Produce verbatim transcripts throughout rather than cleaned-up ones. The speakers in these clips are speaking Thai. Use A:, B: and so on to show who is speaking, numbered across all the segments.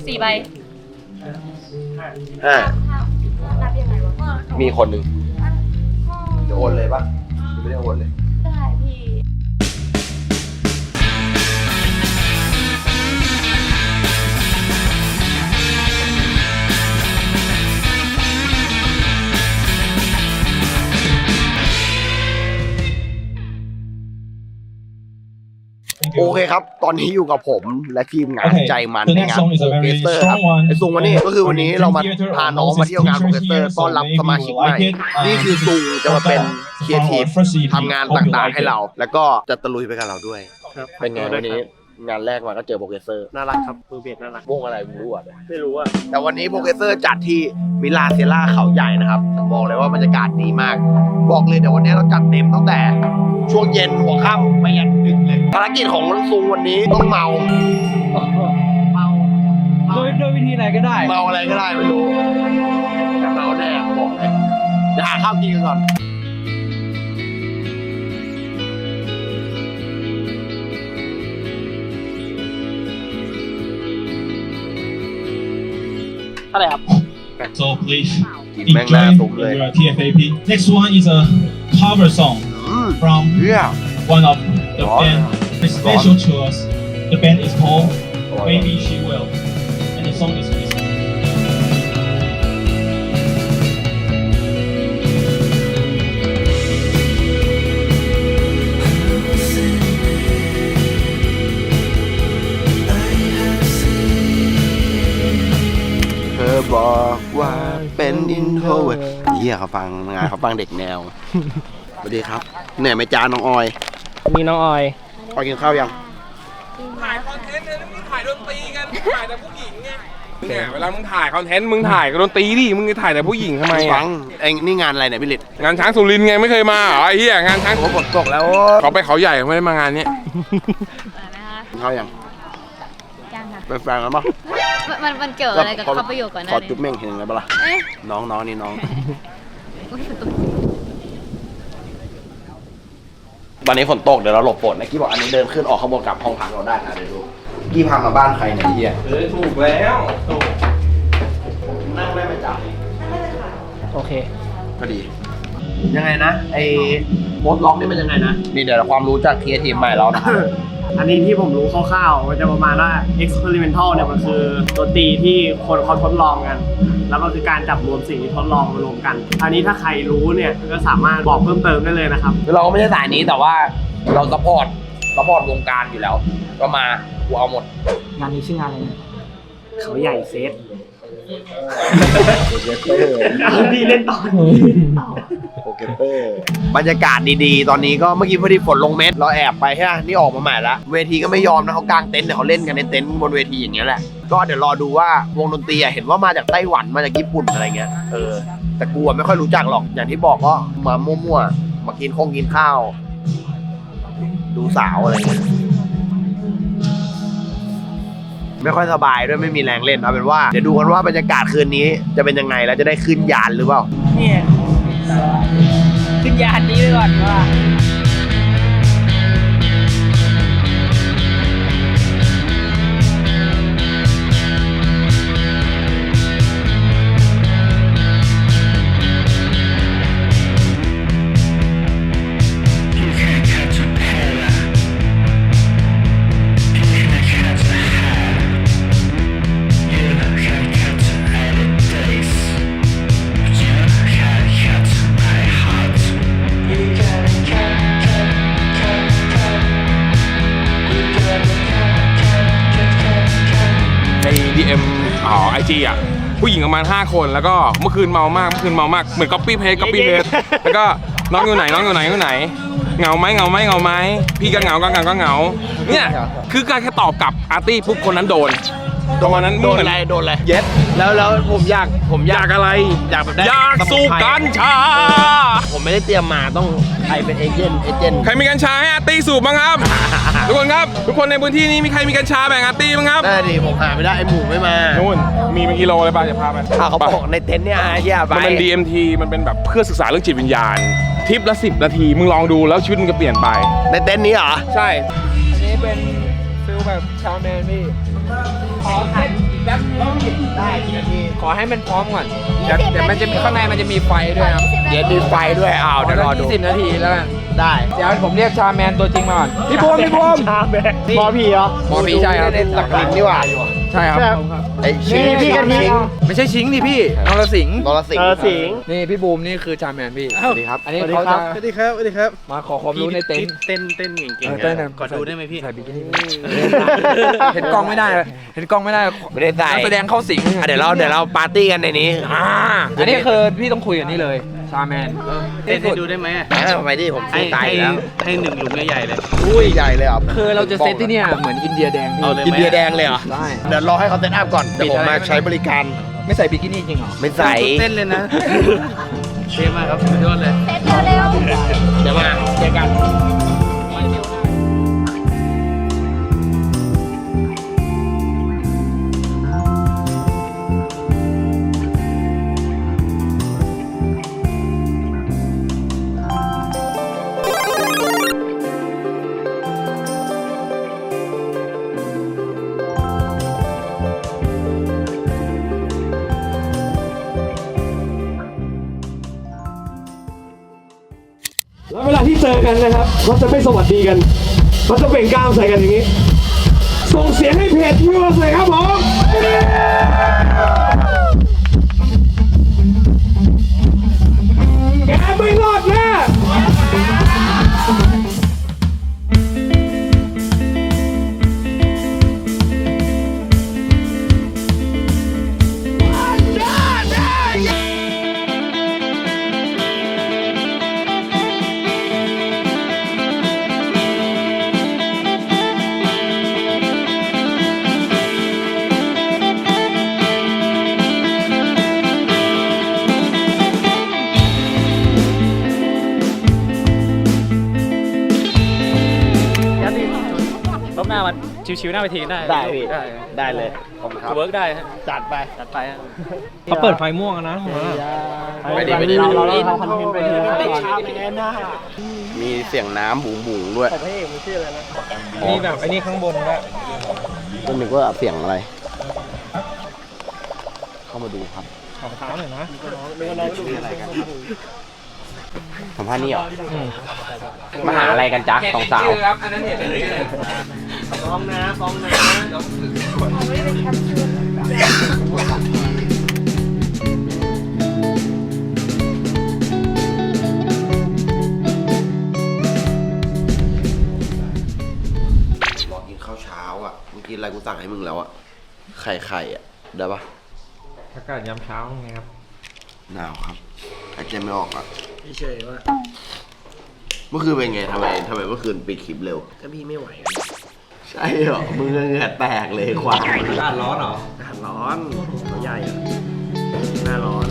A: สี่ใบ
B: ห้า
A: นับยังไงวะ
B: มีคนหนึ่งจะโอนเลยปะไม่ได้โอนเลย
A: ได้พี่
B: โอเคครับ ตอนนี้อยู่กับผมและทีมงาน
C: Okay,
B: ใจมัน
C: the
B: ใน
C: next
B: งาน
C: song is
B: โปร
C: a
B: เก
C: very
B: สเตอร์ครับ
C: strong one.
B: ไอซุงวันนี้ก็คือวันนี้เรามา
C: Theater
B: พาน้องมาเที่ยวงานโปรเกสเตอร์ต้อนรับสมาชิกใหม่ นี่คือซุงจะมาเป็นครีเอทีฟทำงานต่างๆให้เรา แล้วก็จะตะลุยไปกับเราด้วย เป็นไงวันนี้งานแรกมาก็เจอโปรเกสเตอร์
D: น่ารักครับมือเบสน่ารัก
B: วงอะไรไม่รู้อ่ะ
D: ไม่รู้อ่ะ
B: แต่วันนี้โปรเกสเตอร์จัดที่มิลาเซล่าเขาใหญ่นะครับบอกเลยว่าบรรยากาศดีมาก บอกเลยเดี๋ยววันนี้เราจัดเต็มตั้งแต่ช่วงเย็นหัวค่ำไปยันดึกเลยภารกิจของซุงวันนี้ต้องเมา เมา
C: โดยโดยวิธีไหนก็ได้
B: เมาอะไรก็ได้ไม่รู้แต่เมาแน่บอกเลยเดี๋ยวหาข้าวกินกันก่อน
D: เท่าไหร่ครับ
C: So please
B: กินแม่งหน้า
C: enjoy
B: ตุ้มเลย
C: your ที เอฟ เอ พี. Next one is a cover song
B: อืม
C: from
B: เฮีย
C: one of the
B: Wow.
C: band. It's special to us. The band is called
B: Wow.
C: Maybe She Will, and the song is Miss.
B: เธอบอกว่าเป็นอินโทรเวิร์ดเฮียเขาฟังงานเขาฟังเด็กแนว สวัสดีครับเหนื่อยไหมจ้าน้องออย
D: มีน้องออย
B: ออยกินข้าวยัง
E: ถ่ายคอนเทนต์เนี่ยมึงถ่ายดนตรีกัน ถ่ายแต่ผู้หญิงไงเนี่ยเวลามึงถ่ายคอนเทนต์มึงถ่ายกับดนตรีดิ มึงจะถ่ายแต่ผู้หญิงทำไม
B: ฟั
E: อ่ะ
B: งเองนี่งานอะไรเนี่ยพี่ฤทธิ์
E: งานช้างสุรินทร์ไงไม่เคยมาเหรอไอ้เหี้ยงานช้าง
B: โอ้ฝนตกแล้ว
E: เขาไปเขาใหญ่ไม่ได้มางานเนี้ย
B: กินข้าวยัง
A: ยังค่ะ
B: เป็นแฟนกันปะ
A: มันมันเกี่ยวอะไรกับคำประโยคก่อนห
B: ขอ
A: นะ
B: จุ๊บเม่งเห็นไงปะล่ะ
A: เอ๊ะ
B: น้องน้องนี่น้อง
A: อุ๊ยฝนตก
B: วันนี้ฝนตกเดี๋ยวเราหลบฝนนะกี้บอกอันนี้เดินขึ้นออกข้างบนกลับห้องพักเราได้นะเดี๋ยวดูกี้พามาบ้านใครเนี่ยเฮีย
E: เออถูกแล้วถูก
B: นั่งได้ไหมจ๊ะ
D: โอเค
B: ก็ดี ยังไงนะไอ้โมดล็อกนี่มันยังไงนะนี่เดี๋ยวความรู้จากครีเอทีฟใหม่เรานะ
D: อันนี้ที่ผมรู้คร่าวๆมันจะประมาณว่า experimental เนี่ยมันคือดนตรีที่คนเขาทดลองกัน แล้วก็คือการจับรวมสิ่งที่ทดลองมารวมกัน อันนี้ถ้าใครรู้เนี่ยก็สามารถบอกเพิ่มเติมได้เลยนะครับ
B: คือเราก็ไม่ใช่สายนี้แต่ว่าเราซัพพอร์ตซัพพอร์ตวงการอยู่แล้ว ก็มากูเอาหมด
D: งานนี้ชื่องานอะไรนะเขาใหญ่เซตพี่เล่นต่อ
B: โปเกเตอร์บรรยากาศดีๆ ตอนนี้ก็เมื่อกี้พอดีฝนลงเม็ดเราแอบไปใช่ไหมนี่ออกมาใหม่ละเวทีก็ไม่ยอมนะเขากางเต็นท์เดี๋ยวเขาเล่นกันในเต็นท์บนเวทีอย่างเงี้ยแหละก็เดี๋ยวรอดูว่าวงดนตรีอะเห็นว่ามาจากไต้หวันมาจากญี่ปุ่นอะไรเงี้ยเออแต่กูอะไม่ค่อยรู้จักหรอกอย่างที่บอกก็มามั่วๆมากินคงกินข้าว ดูสาวอะไรเงี้ยไม่ค่อยสบายด้วยไม่มีแรงเล่นเอาเป็นว่าเดี๋ยวดูกันว่าบรรยากาศคืนนี้จะเป็นยังไงแล้วจะได้ขึ้นยานหรือเปล่า
D: เนี่ยขึ้นยานนี้ไปก่อนว่า
E: ใน ดี เอ็ม อ๋อไอจีอ่ะ ผู้หญิงประมาณห้าคนแล้วก็เมื่อคืนเมามากเมื่อคืนเมามากเหมือนก๊อปปี้เพจก๊อปปี้เพจแล้วก็น้องอยู่ไหนน้องอยู่ไหนอยู่ไหนเหงาไหมเหงาไหมเหงาไหมพี่ก็เหงาก็เหงาก็เหงาเนี่ยคือการแค่ตอบกลับอาร์ตี้ปุ๊บคนนั้นโดนประมาณนั้น
B: โดนอะไรโดนอะไรเย็ดแล้วแล้วผมอยากผมอ
E: อย
B: าย
E: าก กอะไร
B: อยากแบบได้
E: อยากสูบกัญชา
B: ผมไม่ได้เตรียมมาต้องใครเป็นเอเจนต์เอเจนต์
E: ใครมีกัญชาให้อาร์ตี้สูบบ้างครับ ทุกคนครับทุกคนในพื้นที่นี้มีใครมีกัญชาแบ่งอาร์ตี้บ้างครับ
B: ได้ดิผมหาไม่ได้ไอหมูไม่มา
E: นู่นมีเป็นกิโลเลยป่ะจะพาไป
B: อ่ะเขาบอกในเต็นท์เนี่ยไอ้เหี้ยไป
E: มันเป็น ดี เอ็ม ที มันเป็นแบบเพื่อศึกษาเรื่องจิตวิญญาณทริปละสิบนาทีมึงลองดูแล้วชีวิตมึงจะเปลี่ยนไป
B: ในเต็นท์นี้เหรอ
E: ใช่
D: อันนี้เป็นฟิลแบบชาวแมนพี่ขอถ่ายอีกแป๊บ
F: อให้มันพร้อมก่อนเดี๋ยวเดี๋ยวมันจะมีข้างในมันจะมีไฟด้วยครับ
B: เดี๋ยวดูไฟด้วยอ้าวเดี๋ยวรอดู
F: ยี่สิบนาทีแล้วกัน
B: ได้
F: เดี๋ยวผมเรียกชาแมนตัวจริงมาก่อนพี่ภูมิพี่ภูมิ
D: ชาแบกหมอผีเหรอ
F: หมอผีใช่ครับ
B: เล่นตะกลินนี่หว่า
F: ใช่ครับ
B: ไอ้ชิง
D: นี่พี่กะทิ
B: ชิง
F: ไม่ใช่ชิงดิพี่นรสิงห์
B: นรสิง
D: เออ
B: ห์
D: สิงห์
F: นี่พี่บูมนี่คือชาแมนพี่
B: สวัสดีครับ
F: อันนี้
D: สวัสดี
F: เขา
D: ครั
F: จะ
D: บ
G: สวัสดีครับสวัสดีครับ
F: มาขอความรู้ในเต็นท์
G: เต้นเต้นเก่ง
F: เออเต้นนะ
G: ๆขอดูได้ไหมพี่
F: ใส่บิกินี่เห็นกล้องไม่ได้เลยเห็นกล้องไม่ได้
B: ไม่ได้ใส่
F: นักแสดงเข้าสิง
B: อ่ะเดี๋ยวเราเดี๋ยวเราปาร์ตี้กันในนี้
F: อ่าอันนี้คือพี่ต้องคุยกับนี่เลยชาแมน
G: เต้นให้ดูได้ไหมอะ
B: อ่ะทำไมดิผม
G: ให้
B: สู้ตาย
G: ให้
B: แล้ว
G: ให้หนึ่งหลุมใหญ่ๆเลย
B: อุ้ยใหญ่เลยเหรอ่ะ
F: คือเราจะเซตที่เนี่ยเหมือนอินเดียแดงพี่
G: เอาเลย
B: อินเดียแดงเลยเหรอ
F: ได้
B: เดี๋ยวรอให้เขาเซตอัพก่อนเดี๋ยวผมมาใช้บริการ
F: ไม่ใส่บิกินี่จริงเหรอ
B: ไม่ใส่
G: เต้นเลยนะเท่มากครับสุดยอดเลย
A: เซ็ตเร็ว
B: เดี๋ยวมาเจอกัน
D: แล้วเวลาที่เจอกันนะครับเราจะไม่สวัสดีกันเราจะเบ่งกล้ามใส่กันอย่างนี้ ส่งเสียงให้เพจวิวหน่อยครับผมแกไม่รอดแน่
G: รอบหน้ามันชิวๆหน้าเวทีได้
B: ได้พี่
G: ได้
B: ได้เลยขอบคุณครับ
G: เวิร์กได้ฮะ
B: จัดไป
G: จัดไปฮะ
D: เขาเปิดไฟม่วงนะ
B: ไปดิไปดิ
D: เราเราทำคอนเทนต์ไปทีนะ
B: มีเสียงน้ำบุ๋งบุ๋งๆด้วย
D: พระเอกมันชื่ออะไรนะ
F: มีแบบไอ้นี่ข้างบนด้วย
B: ก็นึกว่าเสียงอะไร เข้ามาดูครับ
F: ขอเท้าหน่อยนะ
B: ชื่ออะไรกันครับสัมภาษณ์นี่เหรอมาหาอะไรกันจ๊ะสองสาว
F: ชื่อครับอันนั้นเห็นเลย
D: ฟ้องนะฟ้องนะ
B: รอกินข้าวเช้าอ่ะเมื่อกี้อะไรกูสั่งให้มึงแล้วอ่ะ ไข่ไข่อ่ะ ได้ปะ
F: อากาศยามเช้าไงครับ
B: หนาวครับหายใจไม่ออกอ่ะ
G: พี่เฉยว่า
B: เมื่อคืนเป็นไงทำไมทำไมเมื่อคืนปิดคลิปเร็ว
G: ถ้าพี่ไม่ไหว
B: ใช่เหรอ มึงเหงื่อแตกเลยควาย
F: อากาศร้อนเหรอ
G: อาหารร้อนตัวใหญ่อะหน้าร้อน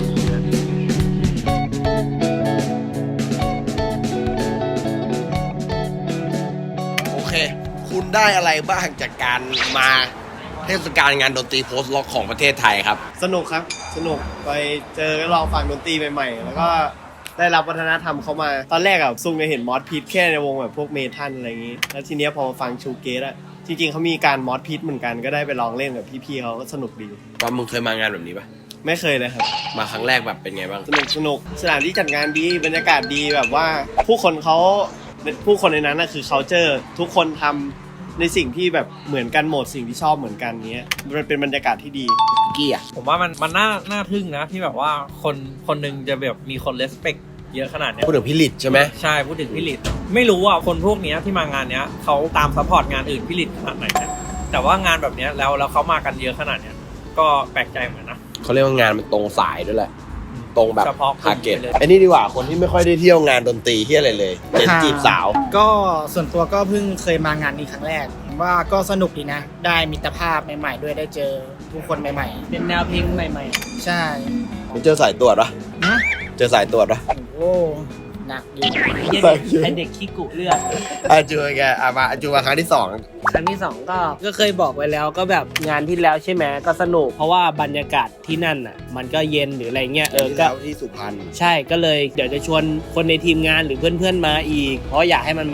B: โอเค คุณได้อะไรบ้างจากการมาเทศกาลงานดนตรีโพสต์ล็อกของประเทศไทยครับ
D: สนุกครับ สนุกไปเจอลองฟังดนตรีใหม่ๆ แล้วก็ได้รับวัฒนธรรมเข้ามา ตอนแรกอะซุงจะเห็นมอสพีทแค่ในวงแบบพวกเมทัลอะไรอย่างงี้ แล้วทีเนี้ยพอมาฟังชูเกตอะจริงๆเขามีการมอสพีทเหมือนกันก็ได้ไปลองเล่นกับพี่ๆเขาก็สนุกดี
B: ตอนมึงเคยมางานแบบนี้ปะ
D: ไม่เคยเลยครับ
B: มาครั้งแรกแบบเป็นไงบ้าง
D: สนุกสนุกสถานที่จัดงานดีบรรยากาศดีแบบว่า ผู้คนเขาผู้คนในนั้นนะคือ culture ทุกคนทำในสิ่งที่แบบเหมือนกันหมดสิ่งที่ชอบเหมือนกันเนี้ยมันเป็นบรรยากาศที่ดี
B: กี้อ่ะ
H: ผมว่ามันมันน่าน่าทึ่งนะที่แบบว่าคนคนหนึงจะแบบมีคนเลสเปคเยอะขนาดเนี้ย
B: พูดถึงพี่ลิดใช่ไหม
H: ใช่พูดถึงพี่ลิตไม่รู้ว่าคนพวกเนี้ยที่มางานเนี้ยเขาตามซัพพอร์ตงานอื่นพี่ลิตขนาดไหนนะแต่ว่างานแบบเนี้ยแล้วแล้วเขามากันเยอะขนาดเนี้ยก็แปลกใจเหมือนนะ
B: เขาเรียกว่างานมันตรงสายด้วยแหละ ตรงแบบ
H: เฉพาะกลุ่ม
B: ทาร์เก็ต
H: ไปเลย
B: ไอ้นี่ดีกว่าคนที่ไม่ค่อยได้เที่ยวงานดนตรีที่อะไรเลยเน้นจีบสาว
I: ก็ส่วนตัวก็เพิ่งเคยมางานนี้ครั้งแรกผมว่าก็สนุกดีนะ ได้มิตรภาพใหม่ๆด้วยได้เจอผู้คนใหม่
G: เป็นแนวเพลงใหม่
I: ๆ ใช่
B: มึงเจอสายตรวจปะ
I: นะ
B: เจอสายตรวจปะ
I: โอ้หนักอยู่
G: ๆไอเด็กขี้กุเลือด
B: อ่ะจูแกอ่ะมาจูมาครั้งที่สอง
G: ครั้งที่สองก็ก็เคยบอกไว้แล้วก็แบบงานที่แล้วใช่ไหมก็สนุกเพราะว่าบรรยากาศที่นั่นอ่ะ มันก็เย็นหรืออะไรเงี้ยเออ
B: ที่
G: ก็
B: แล้วที่สุพรรณ
G: ใช่ก็เลยเดี๋ยวจะชวนคนในทีมงานหรือเพื่อนๆมาอีก เพราะอยากให้มันมาแบบ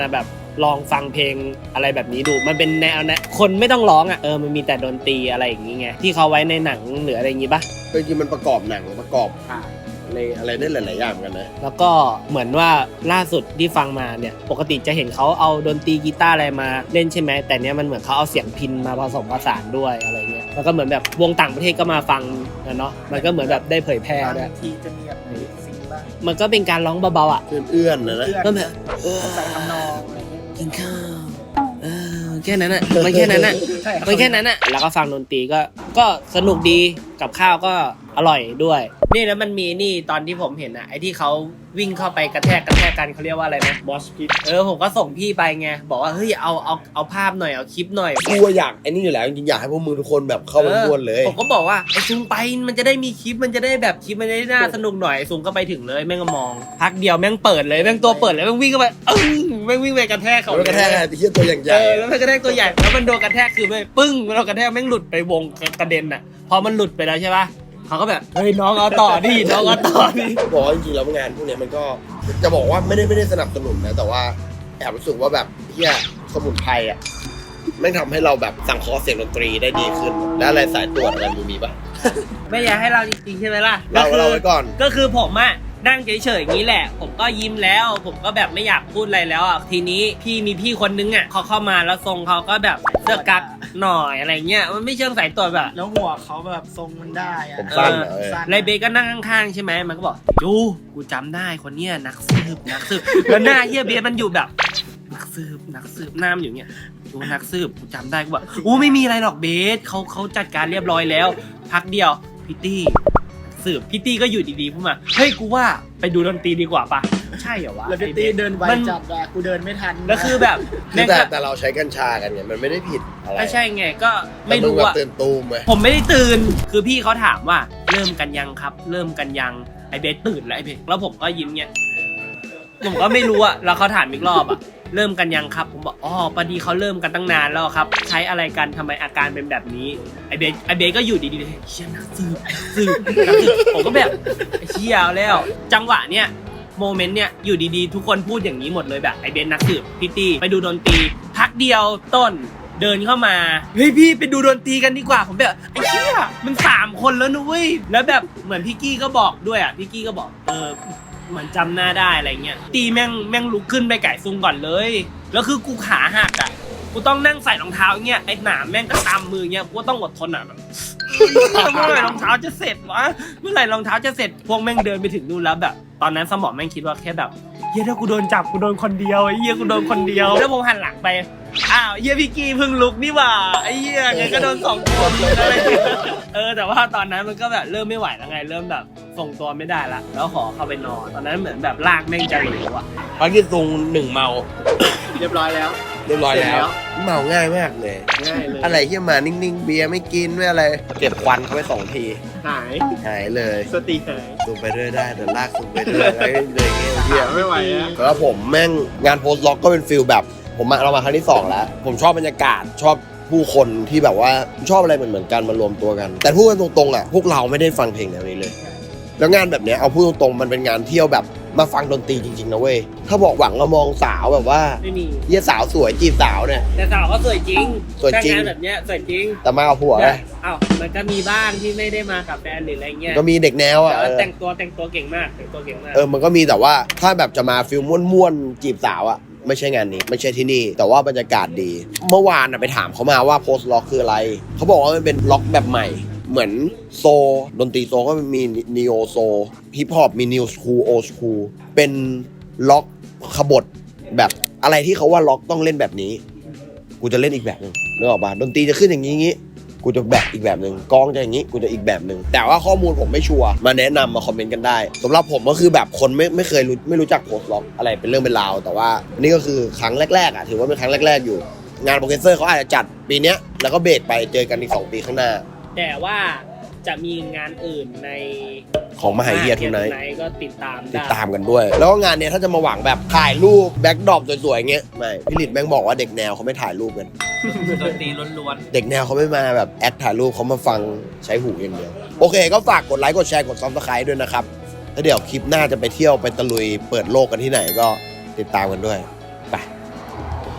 G: ลองฟังเพลงอะไรแบบนี้ดูมันเป็นแนวนะคนไม่ต้องร้องอ่ะเออมันมีแต่ดนตรีอะไรอย่างงี้ไงที่เขาไว้ในหนังหรืออะไรอย่างงี้ปะ
B: จริงๆมันประกอบหนังประกอบในอะไรได้หลายๆอย่างเหมือนกันนะ
G: แล้วก็เหมือนว่าล่าสุดที่ฟังมาเนี่ยปกติจะเห็นเขาเอาดนตรีกีตาร์อะไรมาเล่นใช่ไหมแต่เนี้ยมันเหมือนเขาเอาเสียงพิณมาผสมผสานด้วยอะไรเงี้ยแล้วก็เหมือนแบบวงต่างประเทศก็มาฟังนะเนาะมันก็เหมือนแบบได้เผยแพร่ด้วย
I: ทีจะมีแบบสิ่งบ้าง
G: มันก็เป็นการร้องเบาๆอ่ะ
B: เอื้อนๆนะนะ
G: ก็แบบเออ
I: ใส่ทำนองอะไรเงี้ย
G: กินข้าวเออแค่นั้นอ่ะมันแค่นั้นอ่ะ
I: ใช่รับ
G: มันแค่นั้นอ่ะแล้วก็ฟังดนตรีก็ก็สนุกดีกับข้าวก็อร่อยด้วยนี่แล้วมันมีนี่ตอนที่ผมเห็นอ่ะไอ้ที่เขาวิ่งเข้าไปกระแทกกระแทกกันเขาเรียกว่าอะไรนะ
D: มอสพิท
G: เออผมก็ส่งพี่ไปไงบอกว่าเฮ้ยเอาเอาเอาภาพหน่อยเอาคลิปหน่อย
B: กูอยากไอ้นี่อยู่แล้วจริงๆอยากให้พวกมึงทุกคนแบบเข้าไปร่วนเลย
G: ผมก็บอกว่าไอ้ซุงไปมันจะได้มีคลิปมันจะได้แบบคลิปมันจะได้น่าสนุกหน่อยซุงก็ไปถึงเลยแม่งก็มองพักเดียวแม่งเปิดเลยแม่งตัวเปิดเลยแม่งวิ่งเข้าไปอึ้งแม่งวิ่งไปกระแทกเขา
B: แล้วกระแทกอะไรที่ตัวอย่างให
G: เอ
B: ญ่
G: อแล้วมันกระแทกตัวใหญ่แล้วมันโดนกระแทกคือไปปึ้งมันโดนกระแทกแม่งหลุดไปวงกระเด็นอ่ะพอมันหลุดไปแล้วใช่ปะเขาก็แบบเฮ้ยน้องเอาต่อดิน้องเอาต่อดิ
B: บอกว่าจริงๆแล้วงานพวกเนี้ยมันก็จะบอกว่าไม่ได้ไม่ได้สนับสนุนนะแต่ว่าแอบรู้สึกว่าแบบเฮียสมุนไพรอ่ะแม่งทำให้เราแบบสังเคราะห์เสียงดนตรีได้ดีขึ้น แล้วอะไรสายตรวจอะไรมึงมีปะ
G: ไม่อยากให้เราจริงๆใช่ไหมล่ะ
B: เรา
G: ก็คือ
B: เราไว้ก่อน
G: ก็คือผมอะนั่งเฉยๆอย่างนี้แหละ ผมก็ยิ้มแล้ว ผมก็แบบไม่อยากพูดอะไรแล้วอ่ะทีนี้พี่มีพี่คนนึงอ่ะเขาเข้ามาแล้วทรงเขาก็แบบเสื้อกั๊กหน่อยอะไรเงี้ยมันไม่เชิงสายตรวจแบบ
I: แล้วหัวเขาแบบทรงมันได้อะ
B: ผมสั้นเหรอเออ
G: ไรเบก็นั่งข้างๆใช่ไหมมันก็บอกจูกูจำได้คนเนี้ยนักสืบนักสืบแล้วหน้าเฮียเบสมันอยู่แบบนักสืบนักสืบหน้ามันอยู่เงี้ยจูนักสืบกูจำได้กูบอกอู้ไม่มีอะไรหรอกเบสเขาเขาจัดการเรียบร้อยแล้ว พักเดียวพี่ตี้สืบพี่ตี้ก็อยู่ดีๆพูดมาเฮ้ยกูว่าไปดูดนตรีดีกว่าปะใช่เหรอวะ
I: แล้วพี่ตีเดินไว
G: มัน
I: จัดอะกูเดินไม่ทัน
G: แล้วคือแบบ
B: คือแต่แต่เราใช้กัญชากันเนี่ยมันไม่ได้ผิดอะไร
G: ไม่ใช่ไงก็ไม่
B: แต่ง
G: รู้
B: แบบ
G: อะ
B: ตื่นตูมไหม
G: ผมไม่ได้ตื่นคือพี่เขาถามว่าเริ่มกันยังครับ เริ่มกันยังไอเบสตื่นแล้วไอเบสแล้วผมก็ยิ้มเงี้ยผมก็ไม่รู้อะแล้วเขาถามอีกรอบอะเริ่มกันยังครับผมบอกอ๋อพอดีเขาเริ่มกันตั้งนานแล้วครับใช้อะไรกันทำไมอาการเป็นแบบนี้ไอเบสไอเบสก็อยู่ดีๆเลยเชี่ยนักสืบสืบนักสืบผมก็แบบไอ้เชี่ยแล้ว จังหวะเนี้ยโมเมนต์เนี้ยอยู่ดีๆทุกคนพูดอย่างนี้หมดเลยแบบไอเบสนักสืบพี่ตี้ไปดูดนตรีพักเดียวต้นเดินเข้ามาเฮ้ยพี่ไปดูดนตรีกันดีกว่าผมแบบไอ้เชี่ยมันสามคนแล้วนุ้ยแล้วแบบเหมือนพี่กี้ก็บอกด้วยอ่ะพี่กี้ก็บอกเออเหมือนจำหน้าได้อะไรเงี้ยตีแม่งแม่งลุกขึ้นไปไก่ซุงก่อนเลยแล้วคือกูขาหักอ่ะกูต้องนั่งใส่รองเท้าเงี้ยไอ้หนามแม่งก็ตามมือเงี้ยกูต้องอดทนอ่ะแบบเมื่อไหร่รองเท้าจะเสร็จวะเมื่อไหร่รองเท้าจะเสร็จพวกแม่งเดินไปถึงนู่นแล้วแบบตอนนั้นสมองแม่งคิดว่าแค่แบบเฮียถ้ากูโดนจับกูโดนคนเดียวไอ้เฮียกูโดนคนเดียวแล้วผมหันหลังไปอ้าวเฮียพี่กี้เพิ่งลุกนี่หว่าไอ้เฮียไงก็โดนสองคนอะไรเออแต่ว่าตอนนั้นมันก็แบบเริ่มไม่ไหวแล้วไงเริ่มแบบส่งตัวไม่ได้ละแล้วขอเข้าไปนอนตอนนั้นเหมือนแบบลากแม่งจะเหลวอ่ะ
B: พักที่ตรงหนึ่งเมา
D: เรียบร้อยแล้ว
B: เรียบร้อยแล้ว เมาง่ายมากเลย
D: ง่ายเลย
B: อะไรที่มานิ่งๆเบียร์ไม่กินไม่อะไรเก็บควันเขาไปสองที
D: หาย
B: หายเลย
D: สติหาย
B: สูบไปเรื่อยได้เดี๋ยวลากสูบไปเรื่อยเลยเลยเงี้ยเบียร์
D: ไม่ไหวแล้ว
B: แล้วผมแม่งงานโพสต์ล็อกก็เป็นฟิลแบบผมมาเรามาครั้งที่สองแล้ว ผมชอบบรรยากาศชอบผู้คนที่แบบว่าชอบอะไรเหมือนเหมือนกันมารวมตัวกัน แต่พูดกันตรงๆอ่ะพวกเราไม่ได้ฟังเพลงแนวนี้เลย แล้วงานแบบเนี้ยเอาพูดตรงๆมันเป็นงานเที่ยวแบบมาฟังดนตรีจริงๆนะเว้ยถ้าบอกหวังเรามองสาวแบบว่า
G: ไม่มี
B: เยี่ยสาวสวยจีบสาวเนี่ย
G: แต่สาวก็สวยจริง
B: สวยจริง
G: ถ้างานแบบเนี้ยสวยจริง
B: แต่มาเอาผัวไง
G: อ้าวมันก็มีบ้างที่ไม่ได้มากับแฟนหรืออะไรเงี้ย
B: ก็มีเด็กแนวอ่ะ
G: แต่
B: เอ
G: ว่า
B: อ
G: แต่งตัวแต่งตัวเก่งมากแต่งตัวเก่งมาก
B: เออมันก็มีแต่ว่าถ้าแบบจะมาฟิลม่วนๆจีบสาวอ่ะไม่ใช่งานนี้ไม่ใช่ที่นี่แต่ว่าบรรยากาศดี เมื่อวานอ่ะไปถามเขามาว่าโพสต์ล็อกคืออะไรเขาบอกว่ามันเป็นล็อกแบบใหม่เหมือนโซดนตรีโซก็มีนีโอโซฮิปฮอปมีนิวสคูลโอสคูลเป็นล็อกขบถแบบอะไรที่เขาว่าล็อกต้องเล่นแบบนี้กูจะเล่นอีกแบบนึงนึกออกป่ะดนตรีจะขึ้นอย่างนี้งี้กูจะแบบอีกแบบนึงกองจะอย่างนี้กูจะอีกแบบนึงแต่ว่าข้อมูลผมไม่ชัวร์มาแนะนำมาคอมเมนต์กันได้สำหรับผมก็คือแบบคนไม่ไม่เคยรู้ไม่รู้จักโพสต์ล็อกอะไรเป็นเรื่องเป็นราวแต่ว่านี่ก็คือครั้งแรกๆอ่ะถือว่าเป็นครั้งแรกๆอยู่งานโปรเกรสเซอร์เขาอาจจะจัดปีเนี้ยแล้วก็เบรกไปเจอกันอีกสองปีข้างหน้า
G: แต่ว่าจะมีงานอื่นใน
B: ของมหาวิทยาลัยทุนไนท์
G: ก็ติดตาม
B: ติด
G: ได้
B: ตามกันด้วย แล้วก็งานเนี้ยถ้าจะมาหวังแบบถ่ายรูปแบ็คดรอปสวยๆเงี้ยไม่พี่ฤทธิ์แม่งบอกว่าเด็กแนวเขาไม่ถ่ายรูปกัน
H: ดนตรีล้วน
B: เด็กแนวเขาไม่มาแบบแอคถ่ายรูปเขามาฟังใช้หูอย่างเดียวโอเคก็ฝากกดไลค์กดแชร์กดซับสไครต์ด้วยนะครับแล้วเดี๋ยวคลิปหน้าจะไปเที่ยวไปตะลุยเปิดโลกกันที่ไหนก็ติดตามกันด้วยไป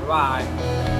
H: บ๊ายบาย